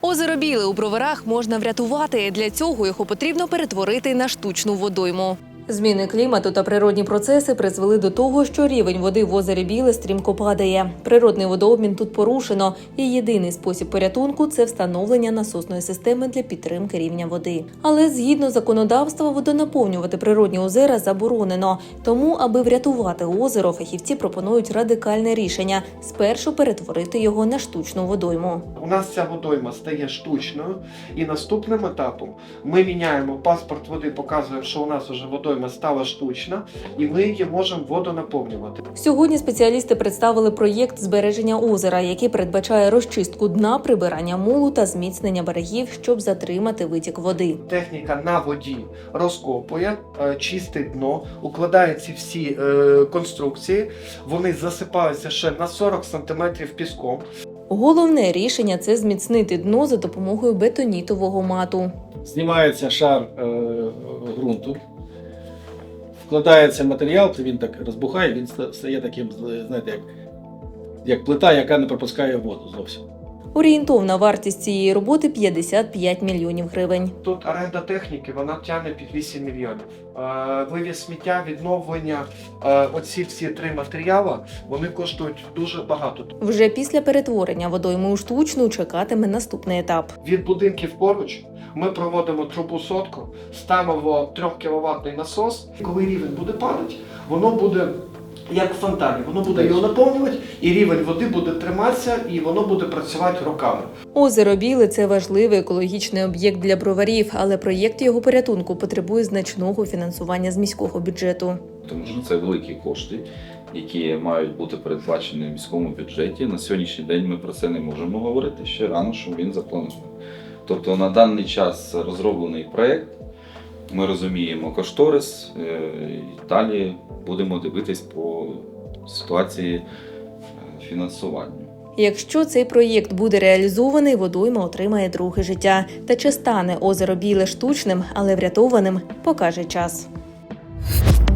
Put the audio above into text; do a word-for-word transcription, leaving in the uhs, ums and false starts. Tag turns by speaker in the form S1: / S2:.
S1: Озеро Біле у Броварах можна врятувати. Для цього його потрібно перетворити на штучну водойму. Зміни клімату та природні процеси призвели до того, що рівень води в озері Біле стрімко падає. Природний водообмін тут порушено, і єдиний спосіб порятунку – це встановлення насосної системи для підтримки рівня води. Але згідно законодавства, водонаповнювати природні озера заборонено. Тому, аби врятувати озеро, фахівці пропонують радикальне рішення – спершу перетворити його на штучну водойму.
S2: У нас ця водойма стає штучною, і наступним етапом ми міняємо паспорт води, показуємо, що у нас вже водойма стала штучна, і ми її можемо водонаповнювати.
S1: Сьогодні спеціалісти представили проєкт збереження озера, який передбачає розчистку дна, прибирання мулу та зміцнення берегів, щоб затримати витік води.
S2: Техніка на воді розкопує, е, чистить дно, укладає ці всі е, конструкції, вони засипаються ще на сорок сантиметрів піском.
S1: Головне рішення – це зміцнити дно за допомогою бетонітового мату.
S3: Знімається шар е, ґрунту, вкладається матеріал, то він так розбухає, він стає таким, знаєте, як, як плита, яка не пропускає воду зовсім.
S1: Орієнтовна вартість цієї роботи – п'ятдесят п'ять мільйонів гривень.
S2: Тут оренда техніки, вона тягне під вісім мільйонів. Е, вивіз сміття, відновлення, е, оці всі три матеріали, вони коштують дуже багато.
S1: Вже після перетворення водойми у штучну чекатиме наступний етап.
S2: Від будинків поруч ми проводимо трубу сотку, ставимо трьохкіловатний насос. Коли рівень буде падати, воно буде як в фонтані, воно буде його наповнювати, і рівень води буде триматися, і воно буде працювати роками.
S1: Озеро Біле – це важливий екологічний об'єкт для броварів, але проєкт його порятунку потребує значного фінансування з міського бюджету.
S4: Тому що це великі кошти, які мають бути передбачені в міському бюджеті. На сьогоднішній день ми про це не можемо говорити, ще рано, що він запланований. Тобто на даний час розроблений проєкт, ми розуміємо кошторис, і далі будемо дивитись по ситуації фінансування.
S1: Якщо цей проєкт буде реалізований, водойма отримає друге життя. Та чи стане озеро Біле штучним, але врятованим, покаже час.